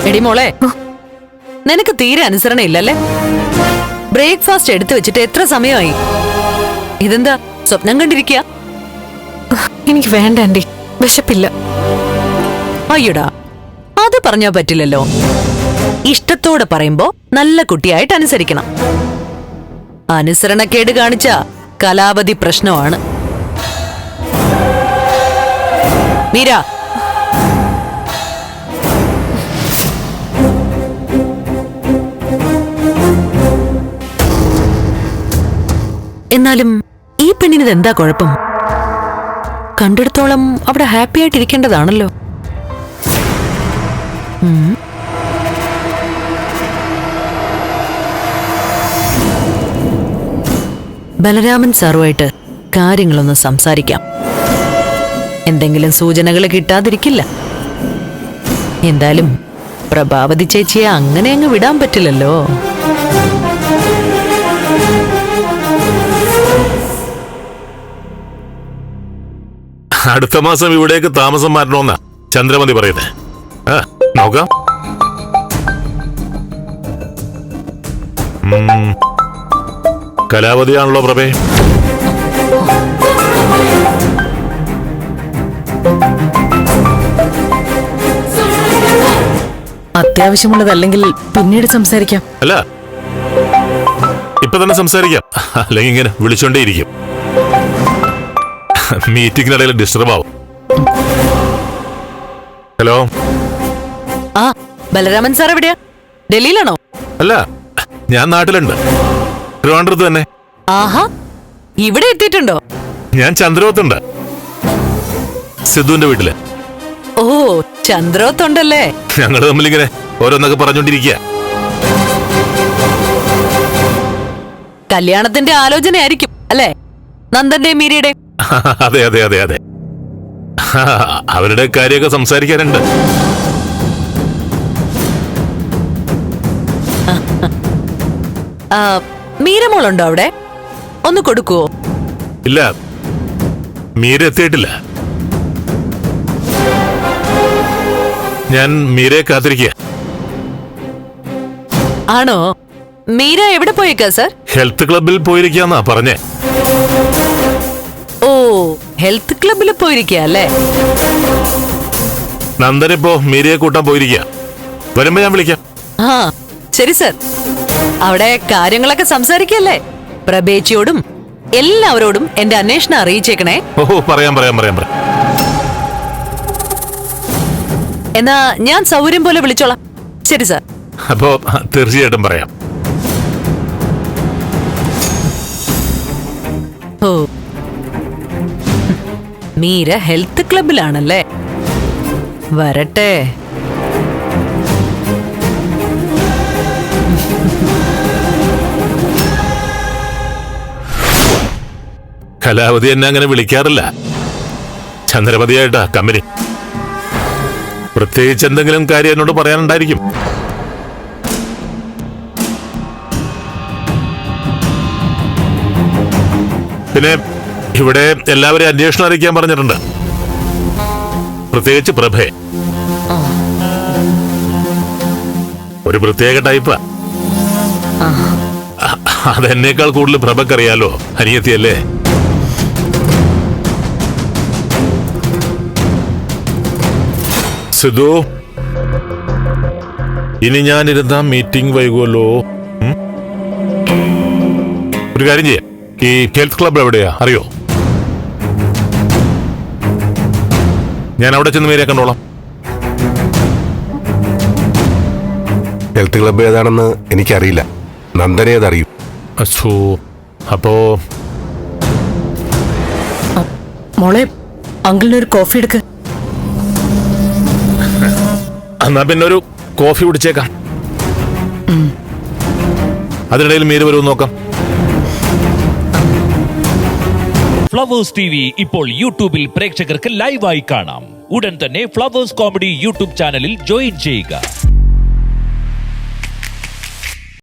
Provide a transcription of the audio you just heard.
എടി മോളെ, നിനക്ക് തീരെ അനുസരണ ഇല്ലല്ലേ? ബ്രേക്ക്ഫാസ്റ്റ് എടുത്തു വെച്ചിട്ട് എത്ര സമയമായി? ഇതെന്താ സ്വപ്നം കണ്ടിരിക്കുക? എനിക്ക് വേണ്ട ആന്റി, വിശപ്പില്ല. അയ്യടാ, അത് പറഞ്ഞാ പറ്റില്ലല്ലോ. ഇഷ്ടത്തോടെ പറയുമ്പോ നല്ല കുട്ടിയായിട്ട് അനുസരിക്കണം. അനുസരണക്കേട് കാണിച്ച കലാപതി പ്രശ്നമാണ്. മീര, എന്നാലും ഈ പെണ്ണിന് എന്താ കുഴപ്പം? കണ്ടിടത്തോളം അവിടെ ഹാപ്പി ആയിട്ടിരിക്കേണ്ടതാണല്ലോ. ബലരാമൻ സാറുമായിട്ട് കാര്യങ്ങളൊന്ന് സംസാരിക്കാം. എന്തെങ്കിലും സൂചനകൾ കിട്ടാതിരിക്കില്ല. എന്തായാലും പ്രഭാവതി ചേച്ചിയെ അങ്ങനെ അങ്ങ് വിടാൻ പറ്റില്ലല്ലോ. അടുത്ത മാസം ഇവിടേക്ക് താമസം മാറ്റണമെന്നാ ചന്ദ്രമതി പറയുന്നേ. നോക്കാം. കലാവതിയാണല്ലോ പ്രഭേ. അത്യാവശ്യമുള്ളതല്ലെങ്കിൽ പിന്നീട് സംസാരിക്കാം. അല്ല, ഇപ്പൊ തന്നെ സംസാരിക്കാം. അല്ലെങ്കിൽ ഇങ്ങനെ വിളിച്ചോണ്ടേയിരിക്കും. മീറ്റിംഗിനിടയിൽ ഡിസ്റ്റർബ് ആവും. ഹലോ. ആ, ബലരാമൻ സാർ എവിടെയാ? ഡൽഹിയിലാണോ? അല്ല, ഞാൻ നാട്ടിലുണ്ട്. ട്രിവാൻഡ്രത്ത് തന്നെ. ആഹാ, ഇവിടെ എത്തിയിട്ടുണ്ടോ? ഞാൻ ചന്ദ്രോത്തുണ്ട്, സിദ്ധുവിന്റെ വീട്ടില്. ഓ, ചന്ദ്രോത്തുണ്ടല്ലേ? ഞങ്ങള് തമ്മിലിങ്ങനെ ഓരോന്നൊക്കെ പറഞ്ഞോണ്ടിരിക്കുക. കല്യാണത്തിന്റെ ആലോചനയായിരിക്കും അല്ലേ? നന്ദന്റെയും മീരയുടെയും. അതെ അതെ അതെ അതെ, അവരുടെ കാര്യമൊക്കെ സംസാരിക്കാനുണ്ട്. മീരമോളുണ്ടോ അവിടെ? ഒന്ന് കൊടുക്കുവോ? ഇല്ല, മീര എത്തിയിട്ടില്ല. ഞാൻ മീരയെ കാത്തിരിക്കുക. ആണോ? മീര എവിടെ പോയേക്കാ സർ? ഹെൽത്ത് ക്ലബിൽ പോയിരിക്കാന്നാ പറഞ്ഞേ. ഓ, ഹെൽത്ത് ക്ലബിൽ പോയിരിക്കുക അല്ലേ? നന്ദനിപ്പോ മീരയെ കൂട്ടാൻ പോയിരിക്കുക. വരുമ്പോ ഞാൻ വിളിക്കാം. ആ ശരി സർ. അവിടെ കാര്യങ്ങളൊക്കെ സംസാരിക്കല്ലേ? പ്രഭേച്ചിയോടും എല്ലാവരോടും എന്റെ അന്വേഷണം അറിയിച്ചേക്കണേ. ഓഹോ, പറയാം പറയാം പറയാം പറയാം. എന്നാ ഞാൻ സൗകര്യം പോലെ വിളിച്ചോളാം. ശരി സർ. അപ്പോ തീർച്ചയായിട്ടും പറയാം. ഓ, മീര ഹെൽത്ത് ക്ലബിലാണല്ലേ? വരട്ടെ. കലാവതി എന്നെ അങ്ങനെ വിളിക്കാറില്ല. ചന്ദ്രമതിയായിട്ടാ കമ്പനി. പ്രത്യേകിച്ച് എന്തെങ്കിലും കാര്യം എന്നോട് പറയാനുണ്ടായിരിക്കും. പിന്നെ ഇവിടെ എല്ലാവരെയും അന്വേഷണം അറിയിക്കാൻ പറഞ്ഞിട്ടുണ്ട്. പ്രത്യേകിച്ച് പ്രഭയെ. ഒരു പ്രത്യേക ടൈപ്പാ. അതെന്നേക്കാൾ കൂടുതൽ പ്രഭക്കറിയാലോ, അനിയത്തിയല്ലേ? സിദ്ധു, ഇനി ഞാനിരുന്ന മീറ്റിംഗ് വൈകുമല്ലോ. ഒരു കാര്യം ചെയ്യാം, ഈ ഹെൽത്ത് ക്ലബ് എവിടെയാ അറിയോ? ഞാൻ അവിടെ ചെന്ന് മീരയെ കണ്ടോളാം. ഹെൽത്ത് ക്ലബ് ഏതാണെന്ന് എനിക്കറിയില്ല, നന്ദനെ അതറിയും. അപ്പോ മോളെ, അങ്കിളിനൊരു കോഫി എടുക്ക്. എന്നാ പിന്നെ ഒരു കോഫി കുടിച്ചേക്കാം. അതിനിടയിൽ മീര വരുമെന്ന് നോക്കാം. ഫ്ലവേഴ്സ് ടിവി ഇപ്പോൾ യൂട്യൂബിൽ പ്രേക്ഷകർക്ക് ലൈവായി കാണാം. ഉടൻ തന്നെ ഫ്ലവേഴ്സ് കോമഡി യൂട്യൂബ് ചാനലിൽ ജോയിൻ ചെയ്യുക.